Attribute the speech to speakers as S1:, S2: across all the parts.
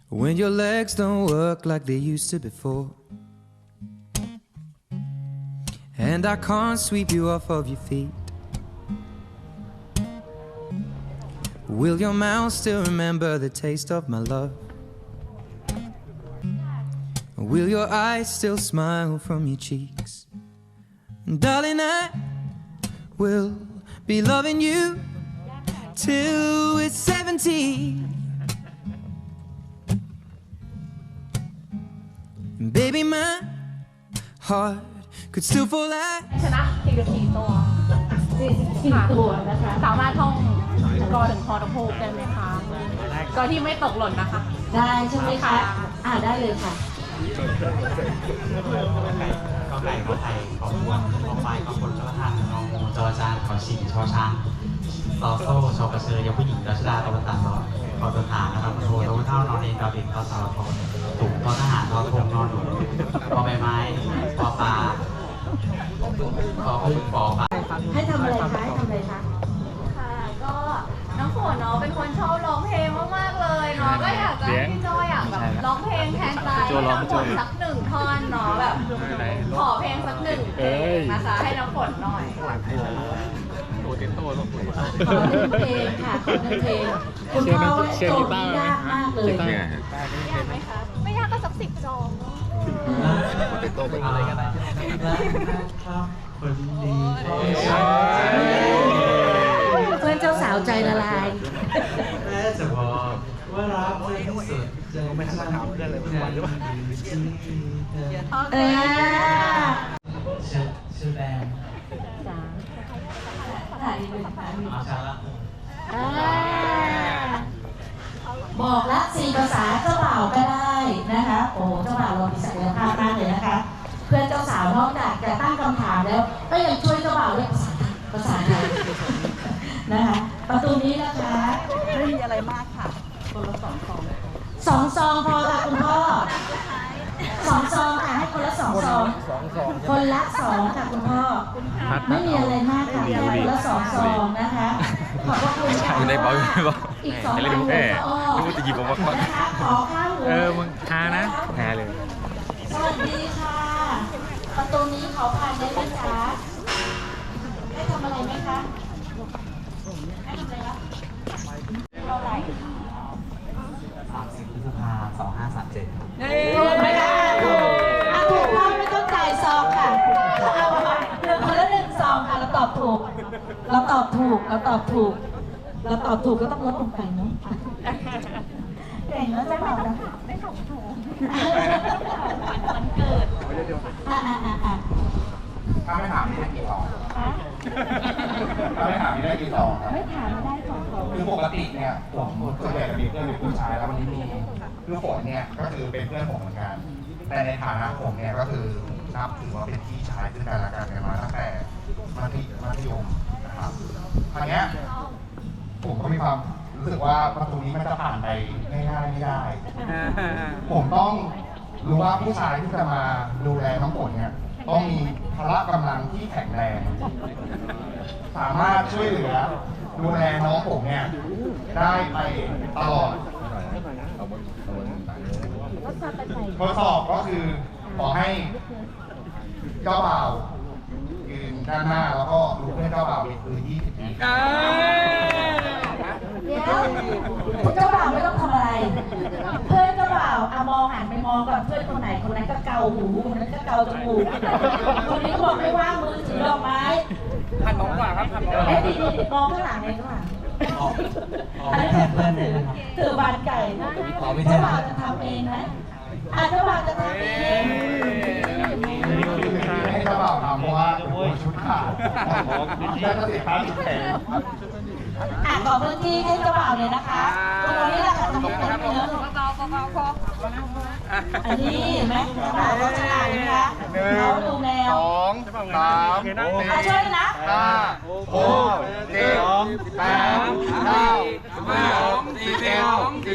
S1: When your legs don't work like they used to before, and I can't sweep you off of your feet, will your mouth still remember the taste of my love? Will your eyes still smile from your cheeks? And darling, I will be loving you till we're 70. And baby, my heart could still fall out.
S2: ชนะ44 ตัว44 ตัวนะคะสามารถท่องกอถึงคอตะพูกได้ไหมคะกอที่ไม่ตกหล่นนะคะ
S3: ได้ใช่ไหมคะได้เลยค่ะ
S4: กอไก่ขอไข่ขอพวงขอไฟขอผลขอทานงองูจอจานขอชิงชอช้างซอโซ่ชอกระเชยยาผู้หญิงรัชดาตะวันตกซอขอตัวฐานนะครับโทตะวันเท่านอนเองดาวเด็กต่อสาวทองถุงทอทหารทอทงนอนหนุนปอใบไม้ปอปลาปอพึ่งปอปลา
S3: ให้ทำอะไรคะให้ทำอะไรคะ
S2: ค่ะก็น้องฝนเนาะเป็นคนชอบร้องเพลงมากๆเลยเนาะก็อยากจะให้พี่โจอยากแบบร้องเพลงแทนใจให้น้องฝนสัก1 ท่อนเนาะแบบขอเพลงสัก1 เพลงนะคะให้น้องฝนหน่อย
S3: ขอ1 เพลงค่ะขอ1 เพลงคุณพ่อโจทย์ยากมากเลย
S2: ยากไหมคะไม่ยากก็สัก10 ซอง
S4: เป็นโตเป็นอะไรกันนะครับคนดี
S3: เพื่อนเจ้าสาวใจละลาย
S4: แม่จะบอกว่ารักไม่สุดใจไม่ช่างเพื่อนเลยวันหรือเปล่าชื่อแบง
S3: บอกละ4 ภาษาเจ้าบ่าวก็ได้นะคะโอ้เจ้าบ่าวเรามีศักยภาพมากเลยนะคะเพื่อนเจ้าสาวนอกจากจะตั้งคำถามแล้วก็ยังช่วยเจ้าบ่าวเรื่องภาษาไทยนะคะประตูนี้นะคะ
S2: ไม่มีอะไรมากค่ะคนละ2 ซอง
S3: 2 ซองพอค่ะคุณพ่อ2 ซองค่ะให้คนละ2 ซองคนละ2ค่ะคุณพ่อไม่มีอะไรมากค่ะคนละ2 ซองนะคะขอบคุณค่ะ
S5: อยู่ในเบาอยู่ในเบา
S3: อีก2 วัน
S5: รู้จะหยิบออกมา
S3: นะคะขอข้าวหมู
S5: มึงหานะแพ้เลย
S3: สวัสดีค่ะประตูนี้ขอผ่านได้ไหมคะให้ทำอะไรไหมคะให้ทำอะไรคะเท่าไหร่
S4: 30 พฤษภาคม 2537
S3: ถูกไหมคะถูกพ่อไม่ต้องจ่ายซองค่ะเอาคนละ1 ซองค่ะเราตอบถูกก็ต้องลดลงไปเนาะเก่งแล้วจะบอกนะ
S2: ได้2 ถุงวันเกิด
S6: ถ้าไม่ถามนี่ได้กี่ซองถ้าไม่ถามนี่ได้กี่ซองครับ
S3: ไม่ถามไม่ได้2 ซอง
S6: คือปกติเนี่ยผมส่วนใหญ่จะมีเพื่อนเป็นผู้ชายแล้ววันนี้มีคือฝนเนี่ยก็คือเป็นเพื่อนผมเหมือนกันแต่ในฐานะผมเนี่ยก็คือนับถือว่าเป็นพี่ชายซึ่งกันและกันมาตั้งแต่มัธยมนะครับครั้งนี้ผมก็มีความรู้สึกว่าประตูนี้มันจะผ่านไปง่ายๆไม่ได้ผมต้องรู้ว่าผู้ชายที่จะมาดูแลน้องฝนเนี่ยต้องมีพละกำลังที่แข็งแรงสามารถช่วยเหลือดูแลน้องผมเนี่ยได้ไปตลอดทดสอบก็คือขอให้เจ้าบ่าวยืนด้านหน้าแล้วก็ดูเพื่อนเจ้าบ่าวเป็นคือ20 ที
S3: เดี๋ยวเจ้าบ่าวไม่ต้องทำอะไรเพื่อนเจ้าบ่าวมองหันไปมองก่อนเพื่อนคนไหนคนนั้นก็เกาหูคนนั้นก็เกาจมูกคนนี้ก็บอกไม่ว่างมือถือดอกไม้
S5: พันมองกว่าครับพันมอง
S3: ดีมองข้างหลังเลยข้างหลัง
S4: ไม่แทนเพื่อนเลยนะครับ
S3: ถือบานไก่เจ้าบ่าวจะทำเองนะเจ้าบ่าวจะทำเอง
S6: ให้เจ้าบ่าวทำเพราะว่าชุดขาดแล้วก็เสียค่าชุดแพง
S3: ขอพื้นที่ให้เจ้าบ่าวเลยนะคะตรงนี้แหละค่ะตรงนี้นะอันนี้เห็นไหมเจ้าบ่าวเขาฉลาดนะคะเขาดูแนว
S6: 2 3
S3: ช่วยนะ
S6: 5 6 7 8 9 10 11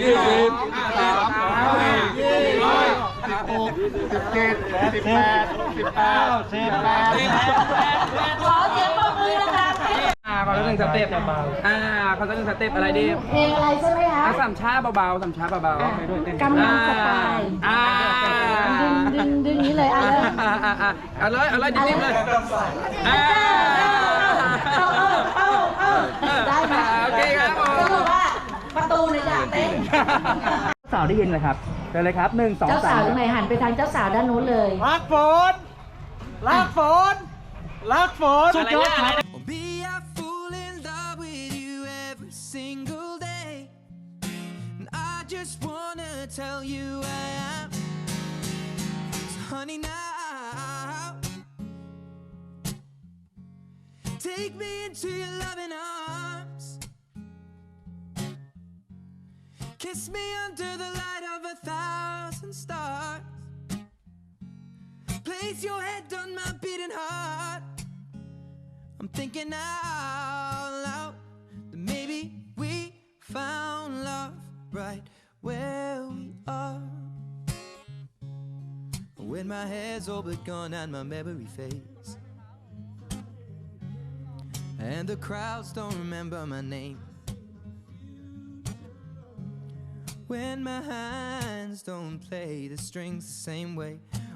S6: 12 13 14 15 16 17 18 19
S3: ขอเสียงปรบมือนะคะ
S7: เขาจะหนึ่งสเต็ปเขาจะหนึ่งสเต็ปอะไรดี
S3: เพลงอะไรใช่ไหมคะ
S7: สามช้าเบาๆสามช้าเบาๆ
S3: กำลังสไตล์ดึงนี้เลย
S7: เอาเลยดิบๆเลย
S3: ได้ไหม
S7: โอเคครับผม
S3: ก็คือว่าประตูเนี่ยอยากเต้น
S7: สาวได้ยินเลยครับเจอเลยครับ1 2 3
S3: เจ้าสาวตรงไหนหันไปทางเจ้าสาวด้านนู้นเลย
S7: รักฝนสุดยอดครับ
S1: Or be I fall in love with you every single day. And I just wanna tell you I am. So honey now, take me into your loving arms. Kiss me under the light of 1,000 stars. Place your head on my beating heart. I'm thinking out loud that maybe we found love right where we are. When my hair's all but gone and my memory fades, and the crowds don't remember my name. When my hands don't play the strings the same way,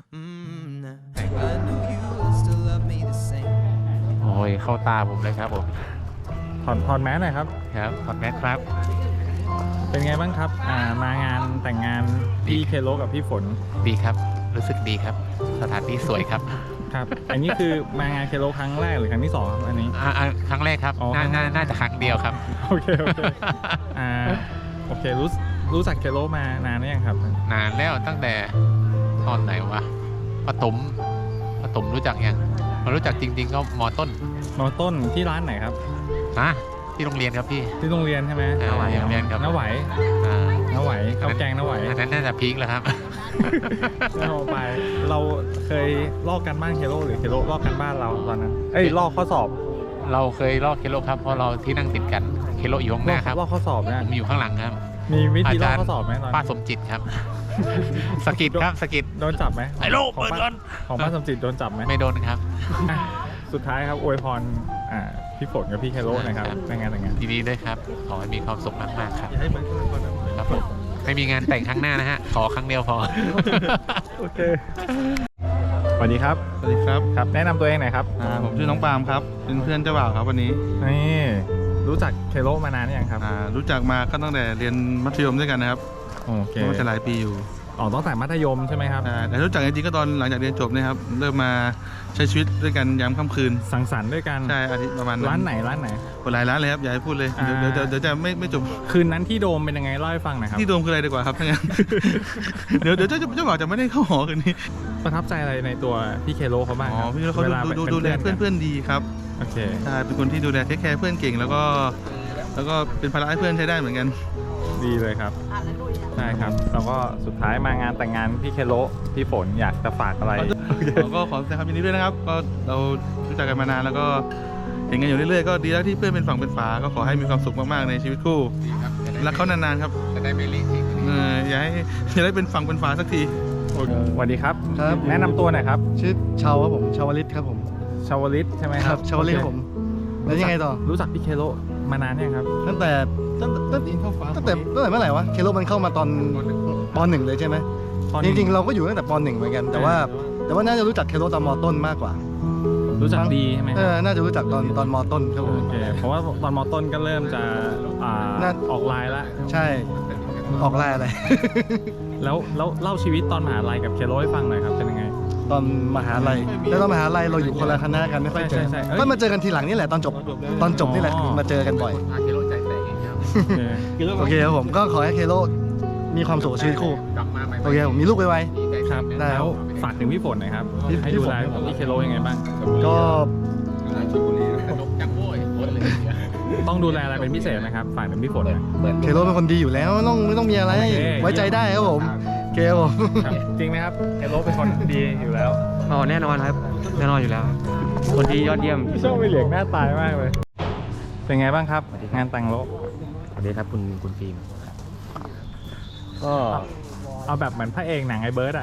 S1: nah, I know you will still love me the same.
S5: โอ้ยเข้าตาผมเลยครับผม
S8: ถอดแมสหน่อยครับ
S5: ครับถอดแมสครับ
S8: เป็นไงบ้างครับมางานแต่งงานพี่เคโลกับพี่ฝน
S5: ดีครับ รู้สึกดีครับ สถานที่สวยครับ
S8: ครับ อันนี้คือมางานเคโลครั้งแรกหรือครั้งที่สองครับอันนี้
S5: ครั้งแรกครับ
S8: อ๋อครั้งแรก
S5: น่าจะครั้งเดียวครับ
S8: โอเคโอเครู้จักเคโลมานานหรือยังครับ
S5: นานแล้วตั้งแต่ตอนไหนวะปฐมรู้จักยังมารู้จักจริงๆก็ม.ต้น
S8: มอต้นที่ร้านไหนครับ
S5: ที่โรงเรียนครับพี่
S8: ที่โรงเรียนใช่ไหม
S5: โรงเรียนครับ
S8: น้าไหว
S5: อ่า
S8: น้าไหวข้าวแกงน้าไหว
S5: อันนั้นน่าจะพีคแล้วครับ
S8: เราไปเราเคยลอกกันบ้านเคโลหรือเคโลลอกกันบ้านเราตอนนั้นลอกข้อสอบ
S5: เราเคยลอกเคโลครับเพราะเราที่นั่งติดกันเคโลอยู่ข้างหน้าครับ
S8: ลอกข้อสอบนะ
S5: ผมอยู่ข้างหลังครับ
S8: มีวิธีลอกข้อสอบไหมตอน
S5: ป้าสมจิตครับ สกิดครับสกิด
S8: โดนจับไหม
S5: ไอ้โลก
S8: ของ
S5: เปิดก่อน
S8: ของป้าสมจิตโดนจับไหม
S5: ไม่โดนครับ
S8: สุดท้ายครับอวยพรพี่ฝนกับพี่เคโรนะครับในงานแต่งงาน
S5: ดีๆด้วยครับ ขอให้มีความสุขมากๆครับ
S8: อย่าให้เหมือนคนนั้น
S5: ครับผมไม่มีงานแต่งครั้งหน้านะฮะ ขอครั้งเดียวพอ
S8: โอเคสวัสดีครับ
S9: สวัสดีครับ
S8: ครับแนะนำตัวเองหน่อยครับ
S9: ผมชื่อน้องปาล์มครับ เป็นเพื่อนเจ้าบ่าวครับวันนี้
S8: นี่รู้จักเคโรมานานหรือยังครับ
S9: รู้จักมาก็ตั้งแต่เรียนมัธยมด้วยกันนะครับ
S8: โอเค
S9: ก็จะหลายปีอยู่
S8: ตั้งแต่มัธยมใช่ไหมครับ
S9: แต่รู้จักจริงๆก็ตอนหลังจากเรียนจบนะครับ เริ่มมาใช้ชีวิตด้วยกันยามค่ำคืน
S8: สังสรรค์ด้วยกัน
S9: ใช่อาทิตย์ประมาณ
S8: ร้านไหน
S9: หลายร้านเลยครับอย่าให้พูดเลยเดี๋ยวจะไม่จบ
S8: คืนนั้นที่โดมเป็นยังไงเล่าให้ฟังหน่อยครับ
S9: ที่โดมคืออะไรดีกว่าครับถ้างั้น เดี๋ยวเจ้าบ่าวจะไม่ได้เข้าหอคืนนี้
S8: ประทับใจอะไรในตัวพี่เคโรเขาบ้างครับ
S9: พี่เขาดูแลเพื่อนดีครับ
S8: โอเค
S9: ใช่เป็นคนที่ดูแลเทคแคร์เพื่อนเก่งแล้วก็เป็นภาระให้เพื่อนใช้ได้เหมือนกัน
S8: ดีเลยครับใช่ครับแล้วก็สุดท้ายมางานแต่งงานพี่เคโรพี่ฝนอยากจะฝากอะไร
S9: ก็ขอแสดงความยินดีด้วยนะครับก็เรารู้จักกันมานานแล้วก็เห็นกันอยู่เรื่อยๆก็ดีแล้วที่เพื่อนเป็นฝั่งเป็นฝาก็ขอให้มีความสุขมากๆในชีวิตคู่รักเขานานๆครับ
S5: จะได้ไม่รีบ
S9: อย่าได้เป็นฝั่งเป็นฝาสักที
S8: สวัสดีครับ
S10: ครับ
S8: แนะนำตัวหน่อยครับ
S10: ชื่อชาวครับผมชาวลิตครับผม
S8: ชาวลิตใช่ไหมครับ
S10: ชาวลิตครับผมแล้วยังไงต่อ
S8: รู้จักพี่เคโรมานานยังครับ
S10: ตั้งแต่เมื่อไหร่วะเคโลมันเข้ามาตอนป .1 เลยใช่ไหม
S8: ตอน
S10: จ
S8: นี้
S10: ริงๆเราก็อยู่ตั้งแต่ป .1 เหมือนกันแต่ว่าน่าจะรู้จักเคโลตอนมต้นมากกว่า
S8: รู้จักดีใช่ไหมครับ
S10: น่าจะรู้จักตอนมต้นครับผม
S8: โอเคเพราะว่าตอนมต้นก็เริ่มจะออกไลน์แล้ว
S10: ใช่ออกไลน์อะไร
S8: แล้วเล่าชีวิตตอนมหาลัยกับเคโรให้ฟังหน่อยครับเป็นยังไง
S10: ตอนมหาลัยแล้วตอนมหาลัยเราอยู่คนละคณะกันไม่ค่อยเจอ
S8: ใช่
S10: ก็มาเจอกันทีหลังนี่แหละตอนจบนี่แหละมาเจอกันบ่อย
S5: พาเคโลใจแตกอย่างเงี้ย
S10: โอเคครับผมก็ขอให้เคโลมีความสุขกับชีวิตคู่
S5: กลับมาใหม่
S10: โอเคผมมีลูกไว
S8: ครับ
S10: ได้
S8: แล้วฝากถึงพี่ฝนหน่อยครับ
S10: พี่
S8: ให้
S10: พี่
S8: ดู
S10: ฝน
S8: แลพี่เคโรยังไงบ้าง
S10: ๆก็
S5: สนุกจังโว้ยโคตรเลย
S8: ต้องดูแลอะไรเป็นพิเศษนะครับฝากถึงพี่ฝนหน่อย
S10: เคโรเป็นคนดีอยู่แล้วไม่ต้องมีอะไร
S8: โอเค
S10: ไว้ใจได้ครับผมโอเคครับผม
S8: ครับจริงไหมครับเคโรเป็นคนดีอยู่แล้ว
S7: อ๋อแน่นอนครับแน่นอนอยู่แล้ว คนที่ยอดเยี่ยม
S8: พี่โชคไปเหลียงหน้าตายมากเลย เป็นไงบ้างครับงานแต่งโลก
S7: สวัสดีครับคุณฟิล์ม
S8: ก็เอาแบบเหมือนพระเอกหนังไอ้เบิร์ดอะ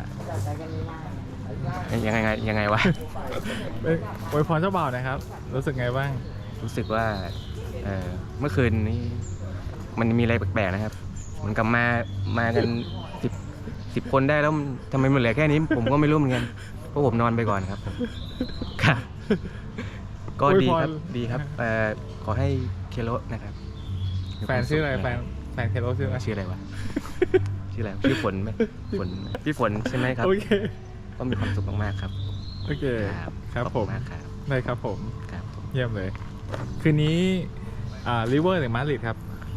S7: ยังไงวะ
S8: อวยพรเจ้าบ่าวนะครับ รู้สึกไงบ้าง
S7: รู้สึกว่าเมื่อคืนนี้มันมีอะไรแปลกๆนะครับเหมือนกับมากัน10 คนได้แล้วทำไมมันเหลือแค่นี้ผมก็ไม่รู้เหมือนกันเพราะผมนอนไปก่อนครับครับก็ดีครับขอให้เคโรนะครับ
S8: แฟนชื่ออะไรแฟนเคโรชื่ออะไร
S7: ชื่ออะไรวะชื่ออะไรชื่อฝนไหมฝนพี่ฝนใช่ไหมครับ
S8: โอเค
S7: ก็มีความสุขมากๆครับ
S8: โอเคครับผม
S7: มากครับ
S8: ได้ครับผม
S7: ครับ
S8: เยี่ยมเลยคืนนี้ลิเวอร์หรือมาดริดครับ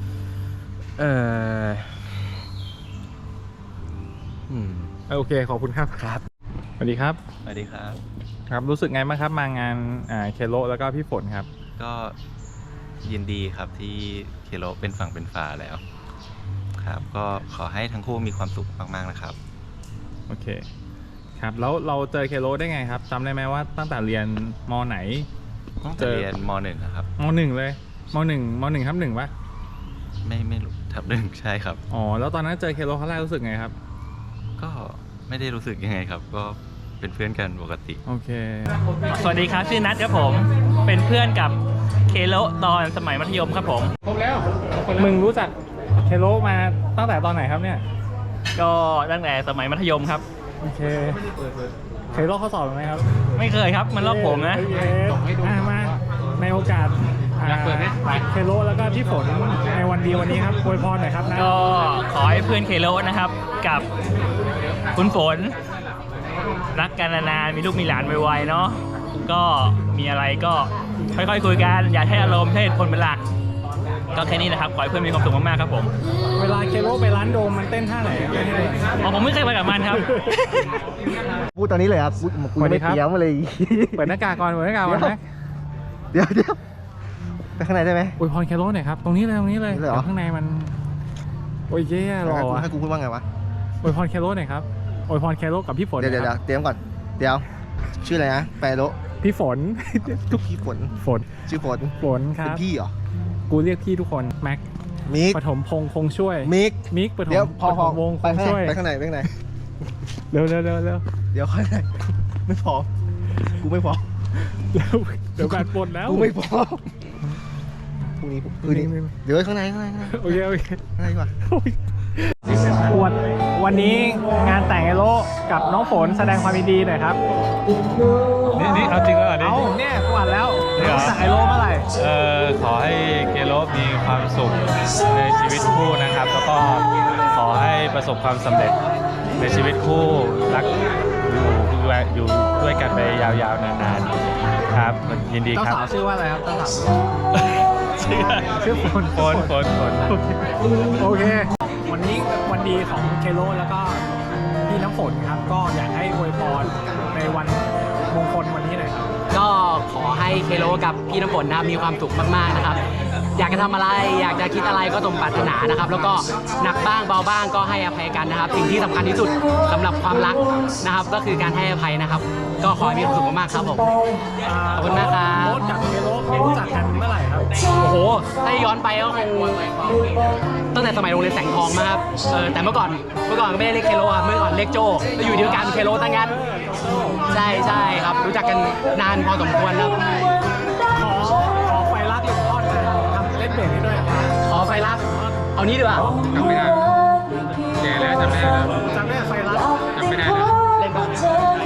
S8: โอเคขอบคุณครับครับสวัสดีครับ
S11: สวัสดีครับ
S8: ครับรู้สึกไงบ้างครับมางานเคโรแล้วก็พี่ฝนครับ
S11: ก็ยินดีครับที่เคโรเป็นฝั่งเป็นฝาแล้วครับก็ขอให้ทั้งคู่มีความสุขมากๆนะครับ
S8: โอเคครับแล้วเราเจอเคโรได้ไงครับจำได้ไหมว่าตั้งแต่เรียนมไหน
S11: เจอเรียนม.1 ครับ
S8: ม.1 เลยม.1 ทับ 1ปะ
S11: ไม่รู้ทับ 1ใช่ครับ
S8: อ๋อแล้วตอนนั้นเจอเคโรครั้งแรกรู้สึกไงครับ
S11: ก็ไม่ได้รู้สึกยังไงครับก็เป็นเพื่อนกันปกติ
S8: โอเค
S12: สวัสดีครับชื่อนัทครับผมเป็นเพื่อนกับเคโรตอนสมัยมัธยมครับผม
S8: ครบแล้วมึงรู้จักเคโรมาตั้งแต่ตอนไหนครับเนี่ย
S12: ก็ตั้งแต่สมัยมัธยมครับ
S8: โอเคเคยลอกข้อสอบไหมครับ
S12: ไม่เคยครับมันลอกผมนะ
S8: มาในโอกาสเคโรแล้วก็พี่ฝนในวันดีวันนี้ครับอวยพรหน่อยครับนะ
S12: ก็ขอให้เพื่อนเคโรนะครับกับคุณฝนรักกันนานๆมีลูกมีหลานไวๆเนาะก็มีอะไรก็ค่อยๆคุยกันอย่าใช้อารมณ์ใช้เหตุผลเป็นหลักก็แค่นี้นะครับขอให้เพื่อนมีความสุขมากๆครับผม
S8: เวลาเคโรไปร้านโดมมันเต้นท่าไหน
S12: ผมไม่เคยไปกับมันครับ
S10: พูดตอนนี้เลยครับกูไม่เตรียมมาเลย
S8: เปิดหน้ากากก่อนไหม
S10: เดี๋ยวไปข้างในได้ไหม
S8: อวยพรเคโรหน่อยครับตรงนี้เลยข้างในมันโอ้ยเย่หล่อ
S10: ให้กูพูดว่าไงวะ
S8: อวยพรเคโรหน่อยครับอวยพรเคโรกับพี่ฝน
S10: เดี๋ยวเตรียมก่อนเดี๋ยวชื่ออะไรนะแปรโร
S8: พี่ฝน
S10: พี่ฝนชื่อฝน
S8: ครับ
S10: เป็นพี่เหรอ
S8: กูเรียกพี่ทุกคนแม็ก
S10: มิก
S8: ปฐมพงษ์คงช่วยมิกปฐมวงคงช่วย
S10: ไปข้างใน
S8: เร็วเ
S10: ดี๋ยวข้างในไม่พอกูไม่พอ
S8: เดี๋ยวการปนแล้ว
S10: กูไม่พอพรุ่งนี้เดี๋ยวข้างใน
S8: โอเค
S10: ข้างในดีกว่า
S8: วันนี้งานแต่งไอโรกับน้องฝนแสดงความยินดีหน่อยครับ
S5: นี่เอาจริงแล้ว
S8: นี่เนี่ยกูอ่านแล้วแต่งไอโรเมื่อไหร่
S5: ขอให้เคโรมีความสุขในชีวิตคู่นะครับแล้วก็ขอให้ประสบความสำเร็จในชีวิตคู่รักอยู่ด้วยกันไปยาวๆนานๆครับยินดีครับ
S8: เจ้าสาวชื่อว่าอะไรครับเจ้าสาว
S5: ชื่อฝน
S8: โอเควันนี้วันดีของเคโรแล้วก็พี่น้ำฝนครับก็อยากให้อวยพรในวันมงคลวันนี้หน่อยครับ
S13: ก็ขอให้เคโรกับพี่น้ำฝนนะครับมีความสุขมากๆนะครับอยากจะทำอะไรอยากจะคิดอะไรก็สมปรารถนานะครับแล้วก็หนักบ้างเบาบ้างก็ให้อภัยกันนะครับสิ่งที่สำคัญที่สุดสำหรับความรักนะครับก็คือการให้อภัยนะครับก็ขอให้มีความสุขมากๆครับผมขอบคุณมากครับ
S8: โบ๊ทกับเคโรรู้จักกันเมื่อไหร่ครับ
S13: โอ้โหถ้าย้อนไปก็คงตั้งแต่สมัยโรงเรียนแสงทองมาครับแต่เมื่อก่อนก็ไม่ได้เรียกเคโรครับเมื่อก่อนเรียกโจแล้วอยู่เดียวกันเคโรตั้งงั้นใช่ครับรู้จักกันนานพอสมควรครับ
S8: ขอไฟรักอีกทอดทำเล่นเบสให้ด้วย
S13: ขอไฟรักเอานี้ดีกว่า
S5: จำไม่ได้แก่แล้วจำไม่ได้
S8: ไฟรัก
S5: จำไม่ได้
S13: เล่นก่อน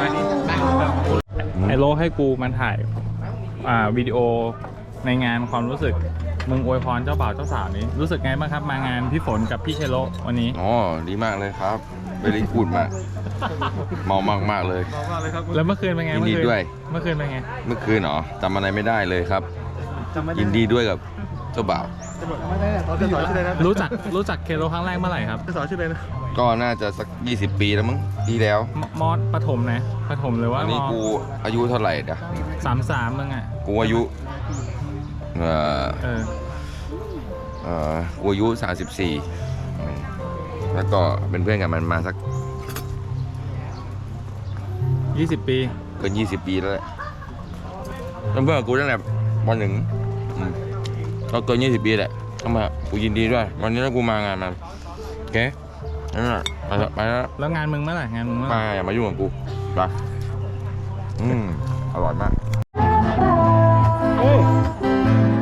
S8: ไอโรให้กูมันถ่ายวิดีโอในงานความรู้สึกมึงอวยพรเจ้าบ่าวเจ้าสาวนี้รู้สึกไงบ้างครับมางานพี่ฝนกับพี่เคโรวันนี้
S14: อ๋อดีมากเลยครับเวลีกูดมากเมามากเลย
S8: แล้วเมื่อคืนเป็นไง
S14: ยินดีด้วย
S8: เมื่อคืนเป็นไง
S14: เมื่อคืนเหรอจำอะไรไม่ได้เลยครับยินดีด้วยกับเจ้าบ่าว
S8: รู้จักเคโรครั้งแรกเมื่อไหร่ครับ
S10: สอนชื่ออะไรนะ
S14: ก็น่าจะสัก20 ปีแล้วมั้งดีแล้ว
S8: มอสปฐมนะปฐมหรือว่า
S14: อันนี้กูอายุเท่าไหร่เดี๋ยว
S8: 33มึงอ่ะ
S14: กูอายุกูอายุ34แล้วก็เป็นเพื่อนกันมันมาสัก
S8: 20 ปี
S14: เกิน20 ปีแล้วแหละเพื่อนกูตั้งแต่ป .1 ก็เกิน20 ปีแหละเข้ามากูยินดีด้วยวันนี้ถ้ากูมางานมันโอเคนั่นแหละไป
S8: แล้วงานมึงเมื่อไหร่งานมึงเมื่อไหร่
S14: อย่ามายุ่งกับกูไปอร่อยมาก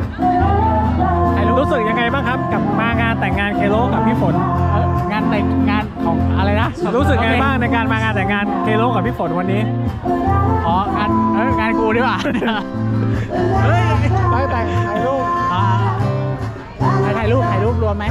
S8: กับพี่ฝนงานแต่งงานของอะไรนะรู้สึกไงบ้างในการมางานแต่งงานเคโลกับพี่ฝนวันนี้อ๋องานกูดีกว่าเฮ้ยไปแต่งถ่ายรูปถ่ายรูปรวมไหม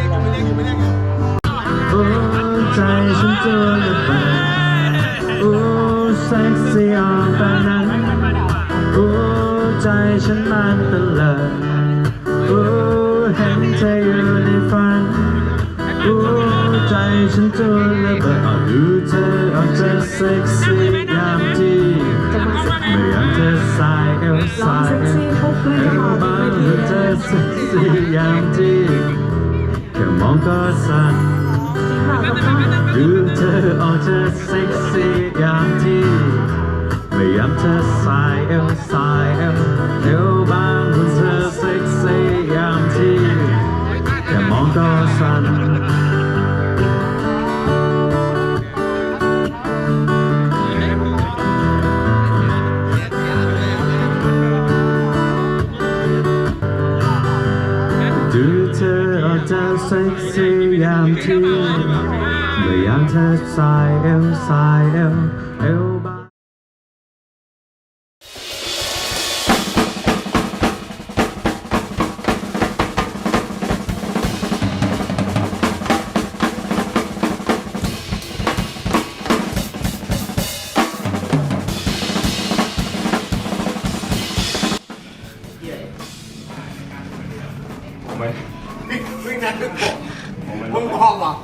S1: ใจฉันเจอระเบิดโอ้เซ็กซี่ออนตอนนั้นโอ้ใจฉันมันตะเลิดโอ้เห็นเธออยู่ในฝันโอ้ใจฉันเจอระเบิดดูเธอออกจะเซ็กซี่ยามที่ไม่อยากเธอสายเอวสายเอวบ้างดูเธอเซ็กซี่ยามที่แค่มองก็สั่นดูเธอออกจะเซ็กซี่อย่างที่พยายามเธอสายเอวสายเอวบางหุ่นเธอเซ็กซี่อย่างที่แค่มองก็สั่นดูเธอออกจะเซ็กซี่อย่างที่เมื่อยามเธอสายเอวสายเอวบาง
S10: วิ่งนั้นมึงมองเหรอ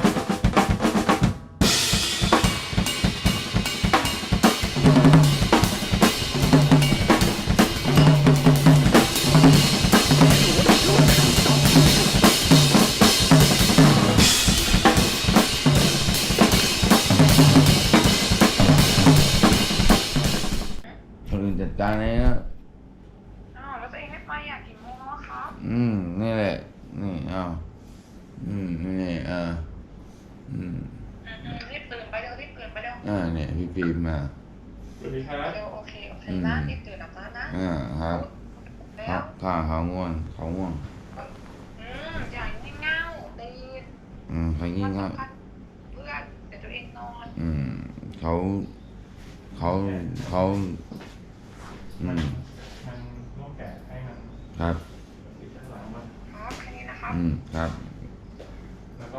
S14: คนอื่นจัดการเลยนะ
S2: แล้วตัวเองไม่ไปอยากกี่โมงแล้วครับ
S14: นี่แหละ นี่เอานี่
S2: รีบตื่นไปเร็วรีบตื่นไปเร็ว
S14: เนี่ยพี่ฟิล์มมา
S2: เร็วโอเคนะรีบตื่นอาบน้ำนะครับ
S14: ครับเขาง่วง
S2: อย่างี่เง่าตื่น
S14: เขางี่เง่า
S2: เพื่อนเดี๋ยวตัวเองนอน
S14: เขาครับ
S2: แค่นี้นะครับ
S14: ครับ
S2: แล้วก็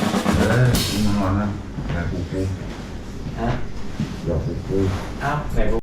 S14: นอนนะแต่กูฮะเดี๋ยวกู
S13: อ้าว